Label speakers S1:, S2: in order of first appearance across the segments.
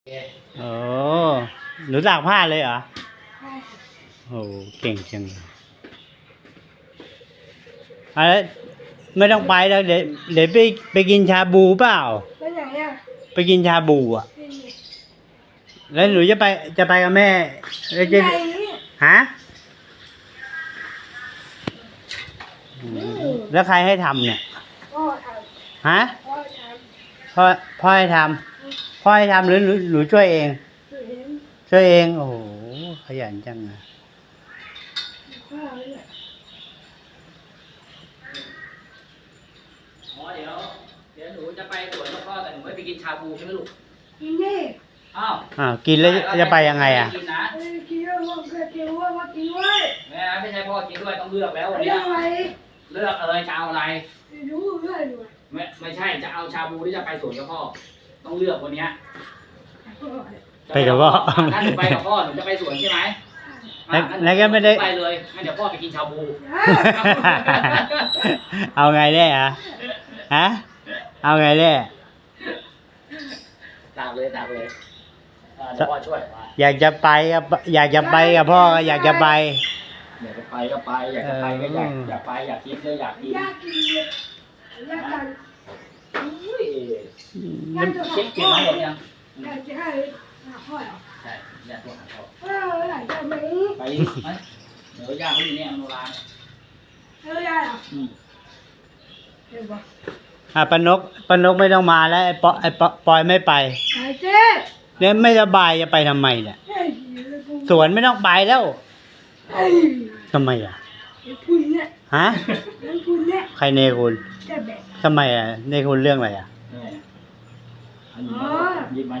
S1: โอ้หนูตากผ้าเลยเหรอโอ้เก่งจังเลยอะไรไม่ต้องไปแล้วเดี๋ยวไปกินชาบูเปล่า
S2: ไปไหนอ่ะ
S1: ไปกินชาบูอ่ะแล้วหนูจะไปกับแม่แล้วจะฮะแล้วใครให้ทำเนี่ย
S2: พ่อท
S1: ฮะ
S2: ำพ่อท
S1: พ่อให้ทำพ่อให้ทำหรือหนูช่วยเอง
S2: ำ
S1: ช่วยเองโอ้โหขยันจังนะ
S2: พ่อเนี่ย
S3: อ๋อเดี๋ยวหนูจะไปสวนกับพ่อแต่หนูไม่ไปกินชาบูใช่ไหมลูก
S2: กินนี่
S3: อ้าว
S1: กินแล้วจะไปยังไงอ่ะ
S3: กินนะ
S2: กินแล้วว่ากินว่ากินไว้
S3: ไม่ใช่พ่อกินด้วยต้องเลือกแล้ววัน
S2: เรื่
S3: นี้
S2: องอะไร
S3: เลือกเลยจะเอาอะไร
S2: ไม่รู้เรื่องด้วย
S3: ไม่ใช่จะเอาชาบูหรือจะไปสวนกับพ่อต้องเลือกวันนี้
S1: ไปกับพ่อ
S3: ถ้าหนูไปกับพ่อหนูจะไปสวนใช่ไหม
S1: แล้วก็ไม่ได้
S3: ไปเลยงั้นเดี๋ยวพ่อไปกินชาบู
S1: เอาไงแน่ฮะเอาไงแน่
S3: ตามเลยเดี๋ยวพ่อช่วย
S1: อยากจะไปกับพ่อก็อยากจะไป
S3: อยากจะไปก็ไปอยากจะไปก็อยากไปอยากกินก็อยากกิน
S2: ยากกินเลยยากกัน
S3: อุ้ยเช็คเก็บมาหมดยัง
S2: อยากจะให้พ่อเหรอ
S3: ใช่อยากโทรหาพ่อ
S2: อยากจะไหม
S3: ไปไหมเดี๋ยวย่าเขาอยู่เนี่ยโนราเนี่ย
S2: ได้เหรอเดี๋ยวบอก
S1: ป้านกไม่ต้องมาแล้วไอ้ปอยไม่ไป
S2: หายเจ๊
S1: เนี่ยไม่สบายจะไปทำไมเนี่ย
S2: เฮ้ย
S1: สวนไม่ต้องไปแล้ว
S2: เฮ้ย
S1: ทำไมอ่ะ
S2: คุณเนี่ย
S1: ฮะ
S2: คุณเนี่ย
S1: ใครเนคุณ
S2: จะแบก
S1: ทำไมอ่ะเนคุณเรื่องอะไรอ่ะ
S3: เนี่ยอันนี้หยิบมา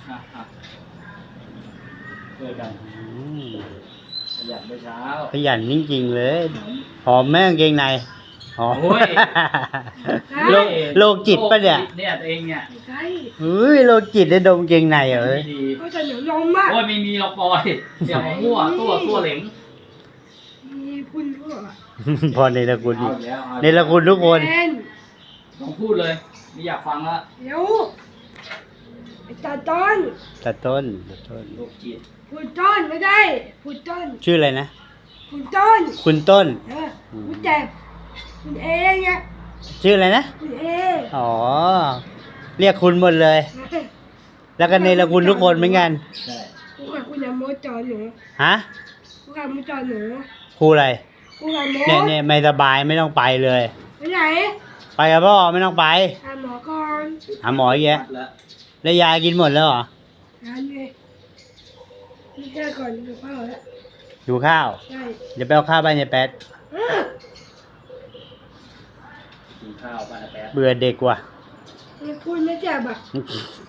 S3: ช่วยกัน ขยันเมื่อเช้า
S1: ขยันจริงๆเลยหอมแม่งเกงในหอม
S3: โอ้ย
S1: โรคจิตปะเนี่ย
S3: เนี่ยตัวเองเนี่ย
S2: ใช่
S1: เฮ้ยโรคจิตได้ดมเกงในเหรอ
S3: ดี
S2: เขาจะเหนียวนมมาก
S3: โอ้ยไม่มีหรอกปอยเดี๋ยวมามั่วตัวเหลง
S2: มีคุณด้วย
S1: พอในละคุณ
S3: เอาแล้ว
S1: ในละคุณทุกคน
S3: ลองพูดเลยไม่อยากฟังละ
S2: เดี๋ยวตาต้น
S1: ตัดต้น
S3: โรคจิต
S2: คุณต้นไม่ได้คุณต้น
S1: ชื่ออะไรนะ
S2: คุณต้น
S1: คุณต้น
S2: คุณแจ็บคุณเองเนี่ย
S1: ชื่ออะไรนะ
S2: คุณเอง
S1: อ๋อเรียกคุณหมดเลย แล้วก็ในละคุณทุกคนเหมือนกัน
S3: ใช่
S2: คุณอย่าโมจอหนู
S1: ฮะ
S2: คุณอย่าโมจอหนู
S1: ครูอะไร
S2: คุณอย่าโม
S1: เนี่ยไม่สบายไม่ต้องไปเลย
S2: ไปไหน
S1: ไปกับพ่อไม่ต้องไป
S2: หาหมอก่อน
S1: หาหมออีกแยะ
S3: แล้ว
S1: แล้วยากินหมดแล้วเหรอ
S2: งานเลยนี่แค่ก่อนดูพ่อแล้ว
S1: อยู่ข้าว
S2: ใช่
S1: เดี๋ยวไปเอาข้าวบ้านยายแป๊ด
S3: กินข้าวบ้านละแป๊บ
S1: เบื่อเด็กว่ะ
S2: นี่คุณไม่เจ็บอ่ะ